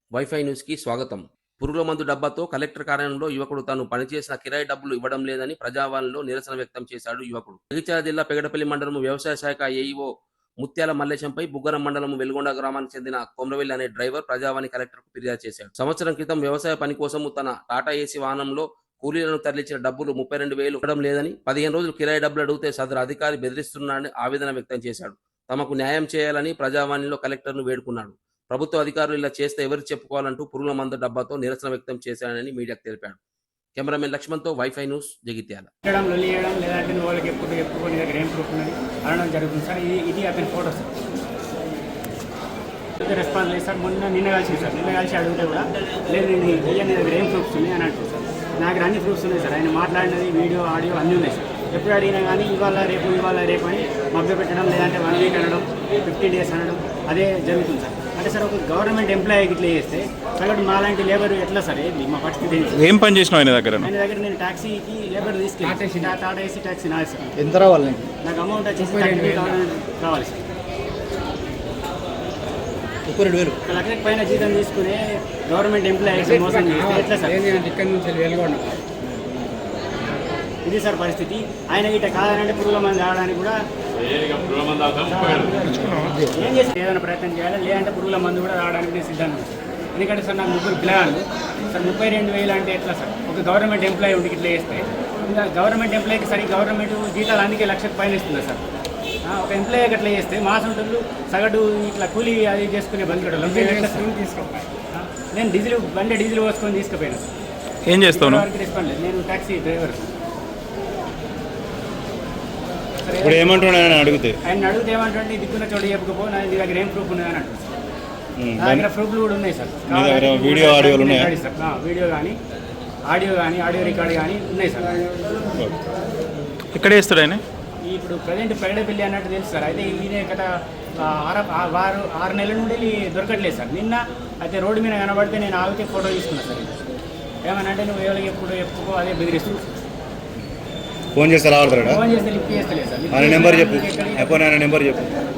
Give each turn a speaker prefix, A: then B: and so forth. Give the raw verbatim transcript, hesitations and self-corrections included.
A: Wifi న్యూస్కి స్వాగతం. పురుగుల మందు డబ్బాతో కలెక్టర్ కార్యాలయంలో యువకుడు తాను పనిచేసిన కిరాయి డబ్బులు ఇవ్వడం లేదని ప్రజావాణిలో నిరసన వ్యక్తం చేశాడు యువకుడు. జగిత్యాల జిల్లా పెగడపల్లి మండలం వ్యవసాయ శాఖ ఏఈఓ ముత్యాల మల్లేశంపై బుగ్గరం మండలం వెలుగొండ గ్రామానికి చెందిన కొమ్రవెల్లి అనే డ్రైవర్ ప్రజావాణి కలెక్టర్కు ఫిర్యాదు చేశాడు. సంవత్సరం క్రితం వ్యవసాయ పని కోసం తన టాటా ఏసీ వాహనంలో కూలీలను తరలించిన డబ్బులు ముప్పై రెండు వేలు ఇవ్వడం లేదని, పదిహేను రోజులు కిరాయి డబ్బులు అడిగితే సదరు అధికారి బెదిరిస్తున్నాడని ఆవేదన వ్యక్తం చేశాడు. తమకు న్యాయం చేయాలని ప్రజావాణిలో కలెక్టర్ను వేడుకున్నాడు. ప్రభుత్వ అధికారులు ఇలా చేస్తే ఎవరు చెప్పుకోవాలంటూ పురుగుల మందు డబ్బాతో నిరసన వ్యక్తం చేశానని మీడియాకు తెలిపాడు. కెమెరామెన్ లక్ష్మణ్తో వైఫై న్యూస్ జగిత్యాల.
B: చేయడం లొల్లి చేయడం లేదంటే వాళ్ళకి ఎప్పుడు ఎప్పుడు దగ్గర ఏం ప్రూఫ్ ఉన్నది అనడం జరుగుతుంది సార్. ఇది ఇది అతని ఫోటో సార్. రెస్పాన్స్ లేదు సార్. మొన్న నిన్న కలిసి సార్ నిన్న కలిసి అడిగితే కూడా లేదు నేను ఇయ్య నీ దగ్గర ఏం ప్రూఫ్స్ ఉన్నాయి అని అంటుంది సార్. నా దగ్గర అన్ని ప్రూఫ్స్ ఉన్నాయి సార్. ఆయన మాట్లాడినది వీడియో ఆడియో అన్నీ ఉన్నాయి సార్. ఎప్పుడు అడిగినా కానీ ఇవాళ రేపు ఇవాళ రేపు అని మభ్య పెట్టడం లేదంటే వన్ వీక్ అనడం ఫిఫ్టీన్ డేస్ అనడం అదే జరుగుతుంది సార్. అంటే సార్ ఒక గవర్నమెంట్ ఎంప్లాయీకి ఇట్లా చేస్తే సగటు మాలాంటి లేబర్ ఎట్లా సార్ ఏంది మా పరిస్థితి?
C: ఏం పని చేసినావు ఆయన దగ్గర?
B: ఆయన దగ్గర నేను ట్యాక్సీకి లేబర్ తీసుకెళ్ళి టాటా ఏసీ ట్యాక్సీ నాది సార్.
C: ఎంత రావాలి?
B: నాకు అమౌంట్ వచ్చేసి థర్టీ థౌసండ్ రావాలి సార్.
C: ముప్పై రెండు వేలు
B: ఒక లక్షకి పైన జీతం తీసుకునే గవర్నమెంట్ ఎంప్లాయీస్ మోసం చేస్తే ఎట్లా సార్?
D: ఇక్కడ నుంచి వెళ్ళకుండా
B: ఇది సార్ పరిస్థితి. ఆయన గిట్ట కాదనంటే పురుగుల మంది ఆడడానికి కూడా ఏం చేసి ఏదైనా ప్రయత్నం చేయాలి, లేదంటే పురుగుల మందు కూడా రావడానికి నేను సిద్ధంగా ఉన్నాను. ఎందుకంటే సార్ నాకు ముగ్గురు పిల్లలు సార్. ముప్పై రెండు వేలు అంటే ఎట్లా సార్? ఒక గవర్నమెంట్ ఎంప్లాయీ ఉండి ఇట్లా చేస్తే ఇంకా గవర్నమెంట్ ఎంప్లాయీకి సరి గవర్నమెంట్ జీతాలు అందుకే లక్షకు పైన ఇస్తుంది సార్. ఒక ఎంప్లాయీకి అట్లా చేస్తే మాసంటూ సగటు ఇట్లా కూలీ అది చేసుకునే బంధువులు తీసుకోవాలి. నేను డీజిల్ బండి డీజిల్ పోసుకొని తీసుకుపోయాను సార్.
C: ఏం చేస్తాను?
B: రెస్పాండ్ లేదు. నేను ట్యాక్సీ డ్రైవర్.
C: ఇప్పుడు ఏమంటున్నాను అడిగితే
B: ఆయన అడిగితే ఏమంటే దిక్కున్న చోటు చెప్పకపో నా దగ్గర ఏం ప్రూఫ్ ఉన్నదని అంటుంది సార్. నా దగ్గర ప్రూఫ్లు కూడా ఉన్నాయి సార్.
C: వీడియో ఆడియోలు ఉన్నాయి
B: సార్. వీడియో కానీ ఆడియో కానీ ఆడియో రికార్డు కానీ ఉన్నాయి సార్.
C: ఎక్కడ వేస్తాడు ఆయన?
B: ఇప్పుడు ప్రజెంట్ పెగడపల్లి అన్నట్టు తెలుసు సార్. అయితే ఈయన గత ఆరు వారు ఆరు నెలల నుండి దొరకట్లేదు సార్. నిన్న అయితే రోడ్డు మీద కనబడితే నేను ఆగితే ఫోటో తీసుకున్నాను సార్. ఏమనంటే నువ్వు ఎవరికి ఎప్పుడు చెప్పుకో అదే బెదిరిస్తుంది.
C: ఫోన్ చేస్తే రావడతాడా?
B: ఫోన్ చేస్తే లిఫ్ట్ చేస్తలేదు సార్.
C: ఆయన నెంబర్ చెప్పు. నెంబర్ చెప్పు.